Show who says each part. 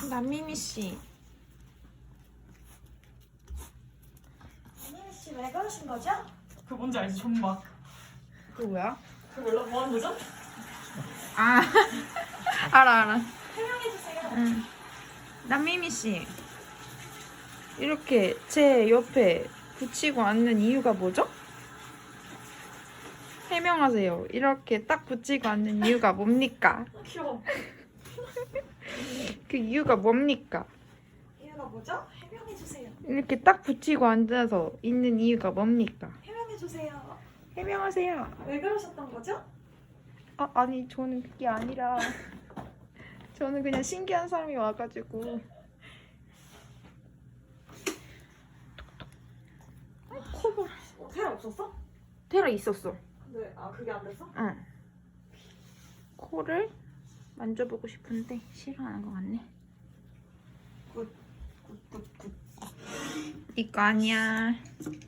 Speaker 1: 남미미 씨.
Speaker 2: 남미미 씨 왜 그러신 거죠?
Speaker 3: 그 뭔지 알지? 존막.
Speaker 1: 그 뭐야?
Speaker 3: 그 몰라? 뭐 하는 거죠?
Speaker 1: 아, 알아.
Speaker 2: 설명해주세요.
Speaker 1: 응. 남미미 씨. 이렇게 제 옆에 붙이고 앉는 이유가 뭐죠? 해명하세요. 이렇게 딱 붙이고 앉는 이유가 뭡니까?
Speaker 2: 귀여워.
Speaker 1: 그 이유가 뭡니까?
Speaker 2: 이유가 뭐죠? 해명해주세요.
Speaker 1: 이렇게 딱 붙이고 앉아서 있는 이유가 뭡니까?
Speaker 2: 해명해주세요.
Speaker 1: 해명하세요.
Speaker 2: 왜 그러셨던 거죠?
Speaker 1: 아니 저는 그게 아니라 저는 그냥 신기한 사람이 와가지고 코볼
Speaker 2: 테라 없었어?
Speaker 1: 테라 있었어.
Speaker 2: 근데 그게 안 됐어?
Speaker 1: 응. 코를 만져보고 싶은데 싫어하는 것 같네.
Speaker 2: 굿.
Speaker 1: 이거 아니야.